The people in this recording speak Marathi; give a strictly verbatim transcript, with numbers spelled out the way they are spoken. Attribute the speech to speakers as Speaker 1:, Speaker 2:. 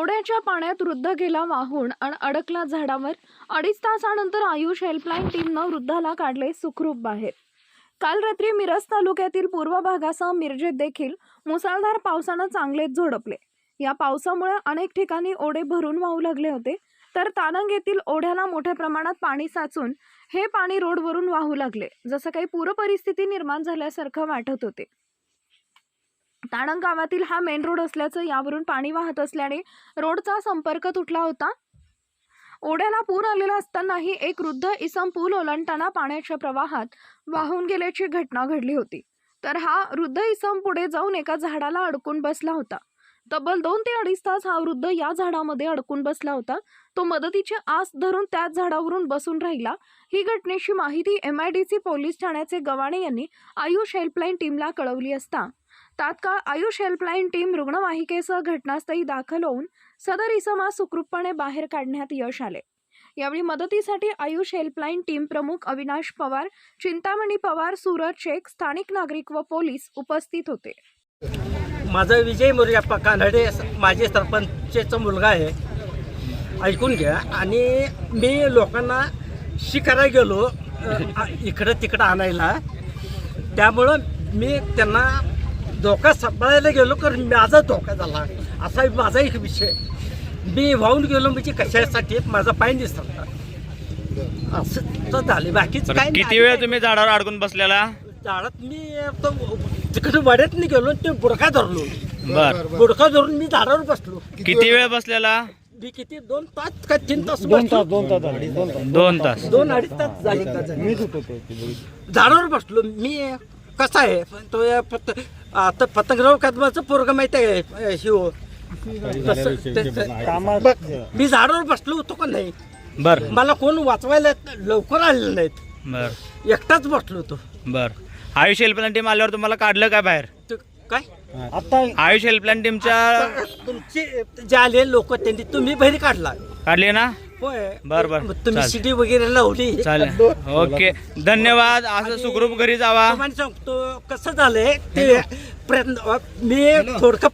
Speaker 1: ओढ्याच्या पाण्यात वृद्ध गेला वाहून आणि अडकला झाडावर। अडीच तासानंतर आयुष हेल्पलाईन टीमनं वृद्धाला काढले सुखरूप बाहेर। काल रात्री मिरज तालुक्यातील पूर्व भागासह मिरजेत देखील मुसळधार पावसानं चांगलेच झोडपले। या पावसामुळे अनेक ठिकाणी ओढे भरून वाहू लागले होते, तर तानंग येथील ओढ्याला मोठ्या प्रमाणात पाणी साचून हे पाणी रोडवरून वाहू लागले, जसं काही पूर परिस्थिती निर्माण झाल्यासारखं वाटत होते। तानंग गावातील हा मेन रोड असल्याचं यावरून पाणी वाहत असल्याने रोडचा संपर्क तुटला होता। ओढ्याला पूर आलेला असतानाही एक वृद्ध इसम पूल ओलांडताना पाण्याच्या प्रवाहात वाहून गेल्याची घटना घडली होती, तर हा वृद्ध इसम पुढे जाऊन एका झाडाला अडकून बसला होता। तब्बल दोन ते अडीच तास हा वृद्ध या झाडामध्ये अडकून बसला होता। तो मदतीची आस धरून त्याच झाडावरून बसून राहिला। ही घटनेची माहिती M I D C police ठाण्याचे गवाणे यांनी आयुष हेल्पलाईन टीमला कळवली असता तात्काळ आयुष हेल्पलाईन टीम रुग्णवाहिकेसह घटनास्थळी दाखल होऊन सदर इसमास सुखरूपपणे बाहेर काढण्यात यश आले। यावेळी मदतीसाठी आयुष हेल्पलाईन टीम प्रमुख अविनाश पवार, चिंतामणी पवार, सूरज शेख, स्थानिक नागरिक व पोलीस उपस्थित होते।
Speaker 2: माझा विजय मोरप्पा कानडे माझे सरपंचचा मुलगा आहे, ऐकून घ्या। आणि मी लोकांना शिकायला गेलो इकडं तिकडं आणायला, त्यामुळं मी त्यांना धोका सांभाळायला गेलो तर माझा धोका झाला। असा माझा एक विषय, मी वाहून गेलो म्हणजे कशासाठी माझा पाय दिसला असं तर झाले। बाकीच काय।
Speaker 3: किती वेळ तुम्ही झाडावर अडकून बसलेला?
Speaker 2: झाडात मी तो तिकडे वाड्यात नाही गेलो, ते बुडका धरलो।
Speaker 3: बर,
Speaker 2: बुडका धरून मी झाडावर बसलो।
Speaker 3: किती वेळ बसलेला?
Speaker 2: मी किती दोन तास का तीन तास
Speaker 4: दोन तास
Speaker 2: बसलो?
Speaker 4: दोन तास
Speaker 3: दोन तास
Speaker 2: दोन अडीच तास झाले झाडावर बसलो मी। कसं आहे तो फक्त आता पतंगराव कदमाचं पोरग माहिती आहे शिव, मी झाडावर बसलो होतो का नाही।
Speaker 3: बर
Speaker 2: मला कोण वाचवायला लवकर आलेलं नाहीत,
Speaker 3: बर
Speaker 2: एकटाच बसलो होतो।
Speaker 3: बर आयुष हेल्पलाईन टीम आल्यावर तुम्हाला काढलं काय बाहेर?
Speaker 2: ते काय
Speaker 4: आता
Speaker 3: आयुष हेल्पलाईन टीमच्या
Speaker 2: तुमचे जे आले लोक त्यांनी तुम्ही बाहेर काढला
Speaker 3: काढली ना?
Speaker 2: होय।
Speaker 3: बर बर
Speaker 2: मग तुम्ही
Speaker 3: चालेल.
Speaker 2: शिडी वगैरे लावली।
Speaker 3: चालेल, ओके, धन्यवाद। असं सुखरूप घरी जावा।
Speaker 2: तुम्हाला सांगतो कसं झालंय ते प्रयत्न मी थोडकं